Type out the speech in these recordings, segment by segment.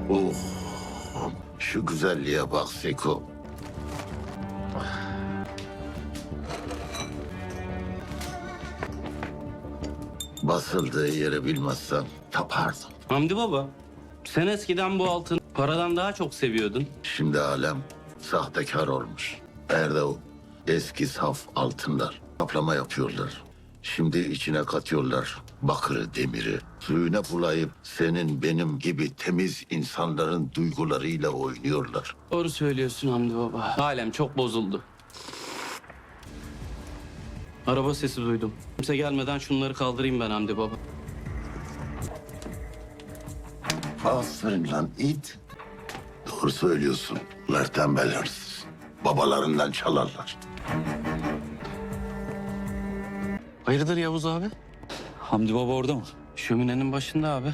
Oh, şu güzelliğe bak Seko. Basıldığı yeri bilmezsem tapardım. Hamdi baba, sen eskiden bu altını paradan daha çok seviyordun. Şimdi alem sahtekar olmuş. Nerede o eski saf altınlar? Kaplama yapıyorlar. Şimdi içine katıyorlar bakırı, demiri. Suyuna bulayıp senin benim gibi temiz insanların duygularıyla oynuyorlar. Doğru söylüyorsun Hamdi baba. Alem çok bozuldu. Araba sesi duydum. Kimse gelmeden şunları kaldırayım ben Hamdi baba. Aferin lan it. Doğru söylüyorsun. Bunlar tembel hırsız. Babalarından çalarlar. Hayırdır Yavuz abi? Hamdi Baba orada mı? Şöminenin başında abi.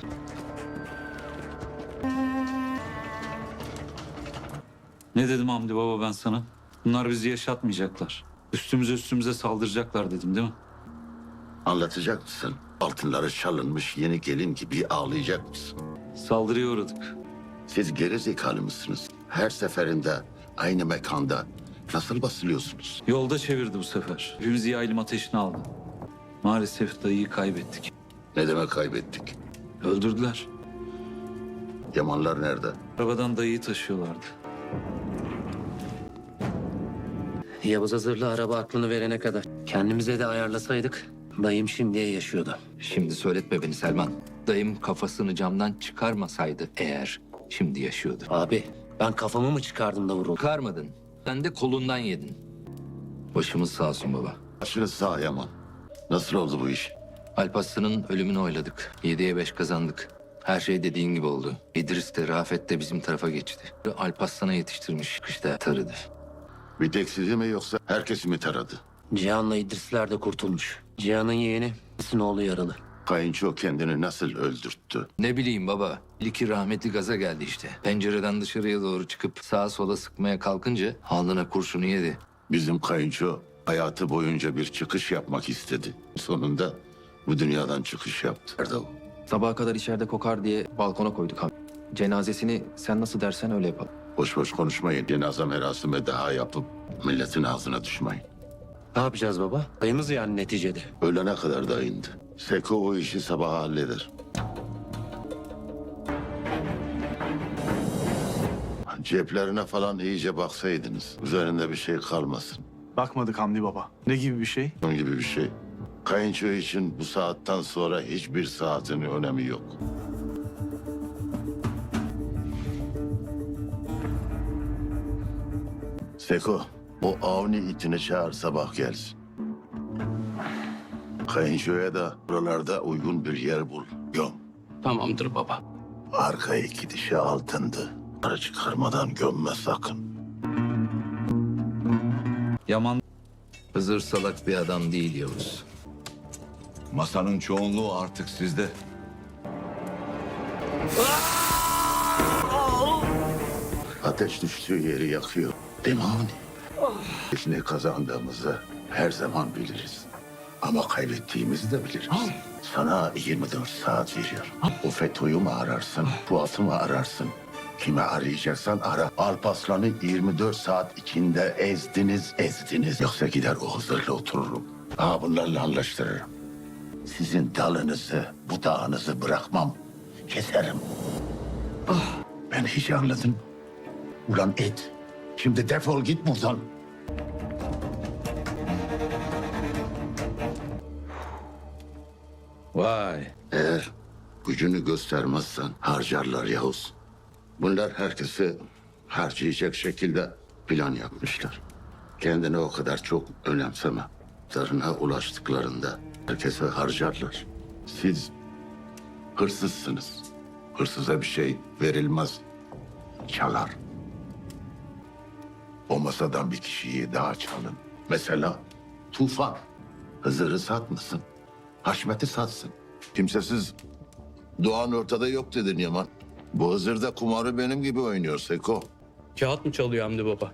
Ne dedim Hamdi Baba ben sana? Bunlar bizi yaşatmayacaklar. Üstümüze saldıracaklar dedim değil mi? Anlatacak mısın? Altınları çalınmış yeni gelin gibi ağlayacak mısın? Saldırıya uğradık. Siz geri zekalı mısınız? Her seferinde aynı mekanda nasıl basılıyorsunuz? Yolda çevirdi bu sefer. Hepimizi yaylım ateşine aldı. Maalesef dayıyı kaybettik. Ne demek kaybettik? Öldürdüler. Yamanlar nerede? Arabadan dayıyı taşıyorlardı. Yavuz hazırlı araba aklını verene kadar. Kendimize de ayarlasaydık dayım şimdiye yaşıyordu. Şimdi söyletme beni Selman. Dayım kafasını camdan çıkarmasaydı eğer şimdi yaşıyordu. Abi ben kafamı mı çıkardım da vuruldum? Çıkarmadın. Sen de kolundan yedin. Başımız sağ olsun baba. Başınız sağ Yaman. Nasıl oldu bu iş? Alparslan'ın ölümünü oyladık. 7'ye 5 kazandık. Her şey dediğin gibi oldu. İdris de Rafet de bizim tarafa geçti. Alparslan'a yetiştirmiş. Kışta tarıdı. Bir tek sizi mi yoksa herkesi mi taradı? Cihan'la İdrisler de kurtulmuş. Cihan'ın yeğeni, İdris'in oğlu yaralı. Kayınço kendini nasıl öldürttü? Ne bileyim baba. İlki rahmetli gaza geldi işte. Pencereden dışarıya doğru çıkıp sağa sola sıkmaya kalkınca alnına kurşunu yedi. Bizim kayınço hayatı boyunca bir çıkış yapmak istedi. Sonunda bu dünyadan çıkış yaptı. Nerede o? Sabaha kadar içeride kokar diye balkona koyduk abi. Cenazesini sen nasıl dersen öyle yapalım. Boş boş konuşmayın. Cenaze merasimi daha yapıp milletin ağzına düşmeyin. Ne yapacağız baba? Dayımız yani neticede. Ölene kadar da indi. Seko o işi sabaha halleder. Ceplerine falan iyice baksaydınız. Üzerinde bir şey kalmasın. Bakmadık Hamdi Baba. Ne gibi bir şey? Onun gibi bir şey. Kayınço için bu saatten sonra hiçbir saatin önemi yok. Seko, o Avni itini çağır sabah gelsin. Kayınçoya da buralarda uygun bir yer bul. Göm. Tamamdır baba. Arka iki dişi altındı. Para çıkarmadan gömme sakın. Yaman Hızır salak bir adam değil Yavuz. Masanın çoğunluğu artık sizde. Ateş düştüğü yeri yakıyor. Değil mi Avni? Biz ne kazandığımızı her zaman biliriz. Ama kaybettiğimizi de biliriz. Sana 24 saat veriyorum. O FETÖ'yü mü ararsın, Fuat'ı mı ararsın? Kime arayacaksan ara. Alparslan'ı 24 saat içinde ezdiniz. Yoksa gider o Hızır'la otururum. Bunlarla anlaştırırım. Sizin dalınızı, budağınızı bırakmam. Keserim. Ben hiç anladım. Ulan et. Şimdi defol git buradan. Vay. Eğer gücünü göstermezsen harcarlar Yavuz. Bunlar herkesi harcayacak şekilde plan yapmışlar. Kendini o kadar çok önemseme. Zarına ulaştıklarında herkese harcarlar. Siz hırsızsınız. Hırsıza bir şey verilmez. Çalar. O masadan bir kişiyi daha çalın. Mesela Tufan. Hızır'ı satmasın. Haşmet'i satsın. Kimsesiz Doğan ortada yok dedin Yaman. Bu Hızır'da kumarı benim gibi oynuyor Seko. Kağıt mı çalıyor Hamdi baba?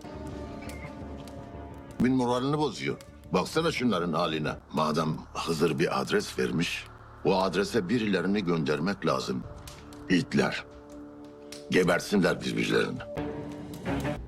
Bin moralini bozuyor. Baksana şunların haline. Madem Hızır bir adres vermiş, o adrese birilerini göndermek lazım. İtler. Gebersinler birbirlerini.